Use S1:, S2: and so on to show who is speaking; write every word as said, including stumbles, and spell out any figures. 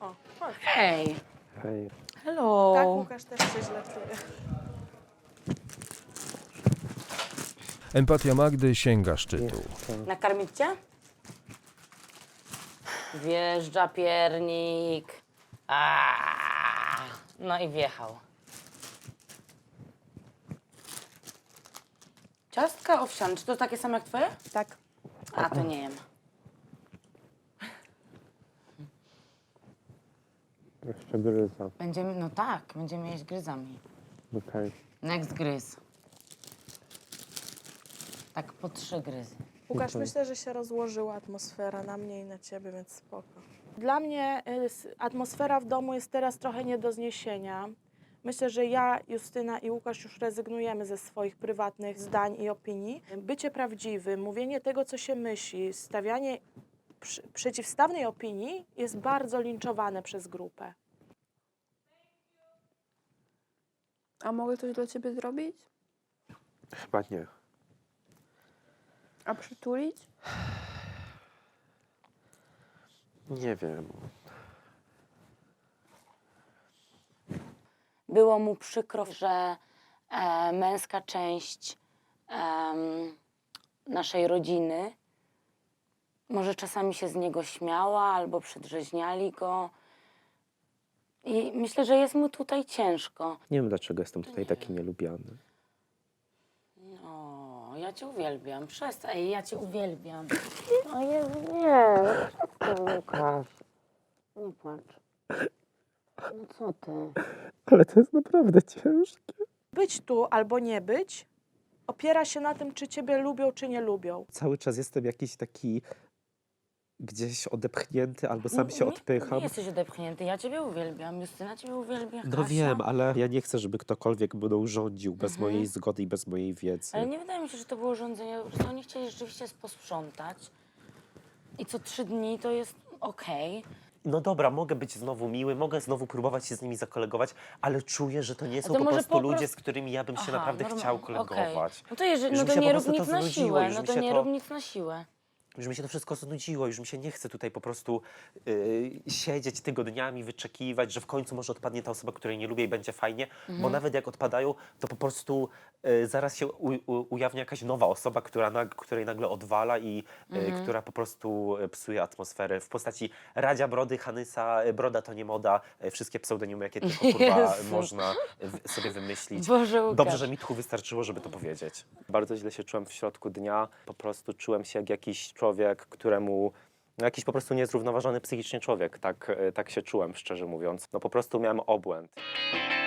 S1: O, chodź.
S2: Hej.
S3: Hej.
S2: Hello.
S1: Tak, Łukasz też się źle czuje.
S4: Empatia Magdy sięga szczytu.
S2: Nakarmić cię? Wjeżdża piernik. Aaaa. No i wjechał. Ciastka owsiane. Czy to takie same jak twoje?
S1: Tak.
S2: A, to nie jem.
S3: Jeszcze gryza.
S2: Będziemy, no tak, będziemy jeść gryzami.
S3: Okej.
S2: Next gryz. Tak po trzy gryzy.
S1: Łukasz, myślę, że się rozłożyła atmosfera na mnie i na ciebie, więc spoko. Dla mnie y, s- atmosfera w domu jest teraz trochę nie do zniesienia. Myślę, że ja, Justyna i Łukasz już rezygnujemy ze swoich prywatnych zdań i opinii. Bycie prawdziwym, mówienie tego, co się myśli, stawianie przy, przeciwstawnej opinii jest bardzo linczowane przez grupę.
S5: A mogę coś dla ciebie zrobić?
S3: Chyba nie.
S5: A przytulić?
S3: Nie wiem.
S2: Było mu przykro, że e, męska część em, naszej rodziny może czasami się z niego śmiała albo przedrzeźniali go. I myślę, że jest mu tutaj ciężko.
S6: Nie wiem, dlaczego jestem tutaj taki nielubiany.
S2: O, ja cię uwielbiam. Przestań, Ej, ja cię uwielbiam. O Jezu, nie. Przestań, Łukasz. Nie płacz. No co ty?
S6: Ale to jest naprawdę ciężkie.
S1: Być tu albo nie być opiera się na tym, czy ciebie lubią, czy nie lubią.
S6: Cały czas jestem jakiś taki gdzieś odepchnięty albo sam się
S2: Nie-
S6: odpycham.
S2: Nie jesteś odepchnięty. Ja ciebie uwielbiam. Justyna ciebie uwielbia.
S6: No
S2: Kasia.
S6: wiem, ale ja nie chcę, żeby ktokolwiek mną rządził bez
S2: Mhm.
S6: mojej zgody i bez mojej wiedzy.
S2: Ale nie wydaje mi się, że to było rządzenie. Po prostu oni chcieli rzeczywiście posprzątać. I co trzy dni to jest okej.
S6: No dobra, mogę być znowu miły, mogę znowu próbować się z nimi zakolegować, ale czuję, że to nie
S2: A
S6: są
S2: to
S6: po
S2: może
S6: prostu
S2: po
S6: ludzie,
S2: prostu-
S6: z którymi ja bym się
S2: Aha,
S6: naprawdę
S2: normal-
S6: chciał
S2: okej.
S6: kolegować.
S2: No to, jeżeli,
S6: Już
S2: no
S6: mi
S2: to
S6: się
S2: nie
S6: po
S2: rób
S6: prostu
S2: nic
S6: to
S2: na
S6: znudziło,
S2: siłę.
S6: już
S2: No
S6: mi
S2: to
S6: się
S2: nie
S6: to-
S2: rób nic na siłę.
S6: Już mi się to wszystko znudziło, już mi się nie chce tutaj po prostu yy, siedzieć tygodniami, wyczekiwać, że w końcu może odpadnie ta osoba, której nie lubię i będzie fajnie, bo nawet jak odpadają, to po prostu yy, zaraz się u, u, ujawnia jakaś nowa osoba, która nag, której nagle odwala i yy, która po prostu yy, psuje atmosferę w postaci Radzia Brody, Hanysa, yy, Broda to nie moda, yy, wszystkie pseudonimy, jakie tylko kurwa
S2: Jezu.
S6: można w, sobie wymyślić.
S2: Boże, Łukasz.
S6: Dobrze, że mi tchu wystarczyło, żeby to powiedzieć. Bardzo źle się czułem w środku dnia. Po prostu czułem się jak jakiś człowiek, któremu... No jakiś po prostu niezrównoważony psychicznie człowiek. Tak, e, tak się czułem, szczerze mówiąc. No po prostu miałem obłęd.